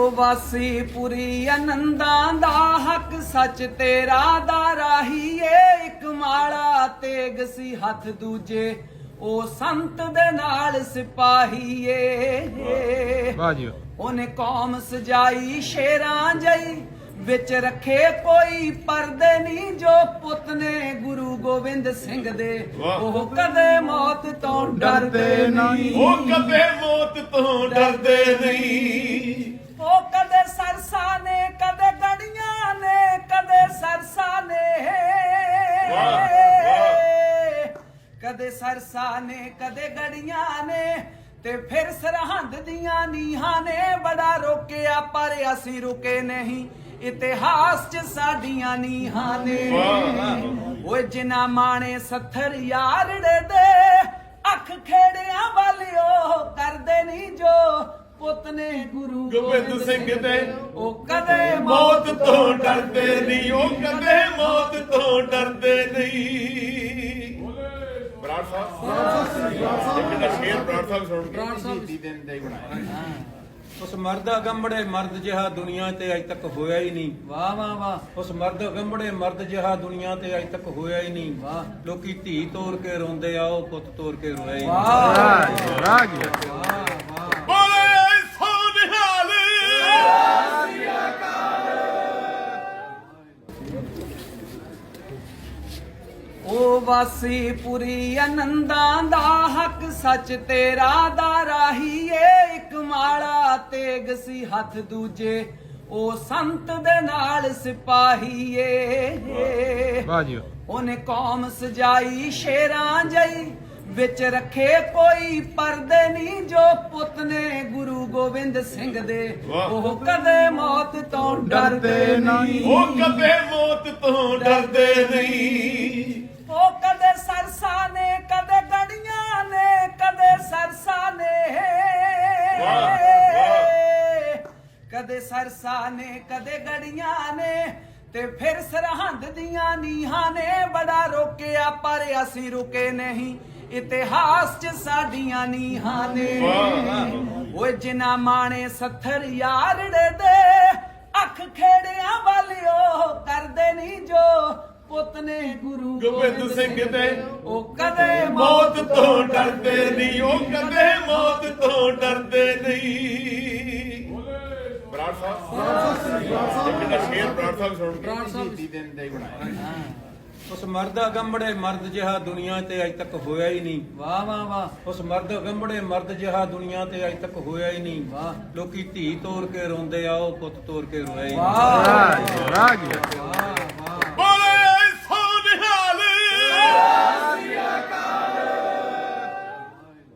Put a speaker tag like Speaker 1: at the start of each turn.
Speaker 1: ਉਹ ਵਾਸੀ ਪੁਰੀ ਆਨੰਦਾਂ ਦਾ ਹੱਕ ਸੱਚ ਤੇਰਾ ਦਾ ਰਾਹੀ ਏ ਇੱਕ ਮਾਲਾ ਤੇਗ ਸੀ ਹੱਥ ਦੂਜੇ ਉਹ ਸੰਤ ਦੇ ਨਾਲ ਸਿਪਾਹੀ ਏ
Speaker 2: ਵਾਹ ਜੀ
Speaker 1: ਉਹਨੇ ਕੌਮ ਸਜਾਈ ਸ਼ੇਰਾਂ ਜਈ ਵਿੱਚ ਰੱਖੇ ਕੋਈ ਪਰਦੇ ਨਹੀਂ ਜੋ ਪੁੱਤ ਨੇ ਗੁਰੂ ਗੋਬਿੰਦ ਸਿੰਘ ਦੇ ਉਹ ਕਦੇ ਮੌਤ ਤੋਂ ਡਰਦੇ ਨਹੀਂ
Speaker 3: ਉਹ ਕਦੇ ਮੌਤ ਤੋਂ ਡਰਦੇ ਨਹੀਂ
Speaker 1: ਉਹ ਕਦੇ ਸਰਸਾ ਨੇ ਕਦੇ ਗੜੀਆਂ ਨੇ ਕਦੇ ਸਰਸਾ ਨੇ ਕਦੇ ਸਰਸਾ ਨੇ ਕਦੇ ਗੜੀਆਂ ਨੇ ਤੇ ਫਿਰ ਸਰਹੰਦ ਦੀਆਂ ਨੀਹਾਂ ਨੇ ਬੜਾ ਰੋਕਿਆ ਪਰ ਅਸੀਂ ਰੁਕੇ ਨਹੀਂ ਇਤਿਹਾਸ ਚ ਸਾਡੀਆਂ ਨੀਹਾਂ ਨੇ ਓਏ ਜਿਨ੍ਹਾਂ ਮਾਣੇ ਸੱਥਰ ਯਾਰੜੇ ਦੇ ਅੱਖ ਖੇੜਿਆਂ ਵਾਲਿਓ ਕਰਦੇ ਨਹੀਂ ਜੋ ਪੁੱਤ ਨੇ ਗੁਰੂ
Speaker 3: ਗੋਬਿੰਦ ਸਿੰਘ ਦੇ
Speaker 1: ਉਹ ਕਦੇ
Speaker 3: ਮੌਤ ਤੋਂ ਡਰਦੇ ਨਹੀਂ ਉਹ ਕਦੇ ਮੌਤ ਤੋਂ ਡਰਦੇ ਨਹੀਂ ਬਰਾੜ ਸਾਹਿਬ ਇੱਕ ਦਾ ਸ਼ੇਰ ਬਰਾੜ ਸਾਹਿਬ ਸੁਣ ਕੇ ਸ਼ਹੀਦੀ ਦਿਨ ਦਾ ਹੀ ਬਣਾਇਆ
Speaker 2: ਉਸ ਮਰਦ ਅਗੰਬੜੇ ਮਰਦ ਜਿਹਾ ਦੁਨੀਆ ਤੇ ਅਜ ਤੱਕ ਹੋਇਆ ਹੀ ਨਹੀਂ।
Speaker 1: ਵਾਹ ਵਾਹ ਵਾਹ।
Speaker 2: ਉਸ ਮਰਦ ਅਗੰਬੜੇ ਮਰਦ ਜਿਹਾ ਦੁਨੀਆ ਤੇ ਅਜ ਤੱਕ ਹੋਇਆ ਹੀ ਨਹੀਂ।
Speaker 1: ਵਾਹ।
Speaker 2: ਲੋਕੀ ਧੀ ਤੋੜ ਕੇ ਰੋਂਦੇ ਆ ਉਹ ਪੁੱਤ ਤੋੜ ਕੇ ਰੋਇਆ ਹੀ ਨਹੀਂ।
Speaker 1: ਵਾਹ
Speaker 2: ਵਾਹ ਜੀ
Speaker 3: ਬੋਲੇ ਸੋ ਨਿਹਾਲ
Speaker 1: ਉਹ ਵਾਸੀ ਪੁਰੀ ਆਨੰਦਾਂ ਦਾ ਹੱਕ ਸੱਚ ਤੇਰਾ ਦਾ ਰਾਹੀ ਏ ਇੱਕ ਮਾਲਾ ਤੇਗ ਸੀ ਹੱਥ ਦੂਜੇ ਉਹ ਸੰਤ ਦੇ ਨਾਲ ਸਿਪਾਹੀ ਏ
Speaker 2: ਵਾਹ ਜੀ
Speaker 1: ਉਹਨੇ ਕੌਮ ਸਜਾਈ ਸ਼ੇਰਾਂ ਜਈ ਵਿੱਚ ਰੱਖੇ ਕੋਈ ਪਰਦੇ ਨਹੀਂ ਜੋ ਪੁੱਤ ਨੇ ਗੁਰੂ ਗੋਬਿੰਦ ਸਿੰਘ ਦੇ ਉਹ ਕਦੇ ਮੌਤ ਤੋਂ ਡਰਦੇ ਨਹੀਂ
Speaker 3: ਉਹ ਕਦੇ ਮੌਤ ਤੋਂ ਡਰਦੇ ਨਹੀਂ
Speaker 1: ਉਹ ਕਦੇ ਸਰਸਾ ਨੇ ਕਦੇ ਗੜੀਆਂ ਨੇ ਕਦੇ ਸਰਸਾ ਨੇ ਕਦੇ ਸਰਸਾ ਨੇ ਕਦੇ ਗੜੀਆਂ ਨੇ ਤੇ ਫਿਰ ਸਰਹੰਦ ਦੀਆਂ ਨੀਹਾਂ ਨੇ ਬੜਾ ਰੋਕਿਆ ਪਰ ਅਸੀਂ ਰੁਕੇ ਨਹੀਂ ਇਤਿਹਾਸ ਚ ਸਾਡੀਆਂ ਨੀਹਾਂ ਨੇ ਓਏ ਜਿਨ੍ਹਾਂ ਮਾਣੇ ਸੱਥਰ ਯਾਰੜੇ ਦੇ ਅੱਖ ਖੇੜਿਆਂ ਵਾਲਿਓ ਕਰਦੇ ਨਹੀਂ ਜੋ ਪੁੱਤ ਨੇ ਗੁਰੂ
Speaker 3: ਗੋਬਿੰਦ ਸਿੰਘ ਦੇ
Speaker 1: ਉਹ ਕਦੇ
Speaker 3: ਮੌਤ ਤੋਂ ਡਰਦੇ ਨਹੀਂ ਉਹ ਕਦੇ ਮੌਤ ਤੋਂ ਡਰਦੇ ਨਹੀਂ ਬਰਾੜ ਸਾਹਿਬ ਇੱਕ ਦਾ ਸ਼ੇਰ ਬਰਾੜ ਸਾਹਿਬ ਸੁਣ ਕੇ ਸ਼ਹੀਦੀ ਦਿਨ ਦਾ ਹੀ ਬਣਾਇਆ
Speaker 2: ਉਸ ਮਰਦ ਅਗੰਬੜੇ ਮਰਦ ਜਿਹਾ ਦੁਨੀਆ ਤੇ ਅਜ ਤੱਕ ਹੋਇਆ ਹੀ ਨਹੀਂ।
Speaker 1: ਵਾਹ ਵਾਹ ਵਾਹ।
Speaker 2: ਉਸ ਮਰਦ ਅਗੰਬੜੇ ਮਰਦ ਜਿਹਾ ਦੁਨੀਆ ਤੇ ਅਜ ਤੱਕ ਹੋਇਆ ਹੀ ਨਹੀਂ।
Speaker 1: ਵਾਹ।
Speaker 2: ਲੋਕੀ ਧੀ ਤੋੜ ਕੇ ਰੋਂਦੇ ਆ ਉਹ ਪੁੱਤ ਤੋੜ ਕੇ ਰੋਇਆ ਹੀ ਨਹੀਂ।
Speaker 1: ਵਾਹ
Speaker 2: ਵਾਹ ਜੀ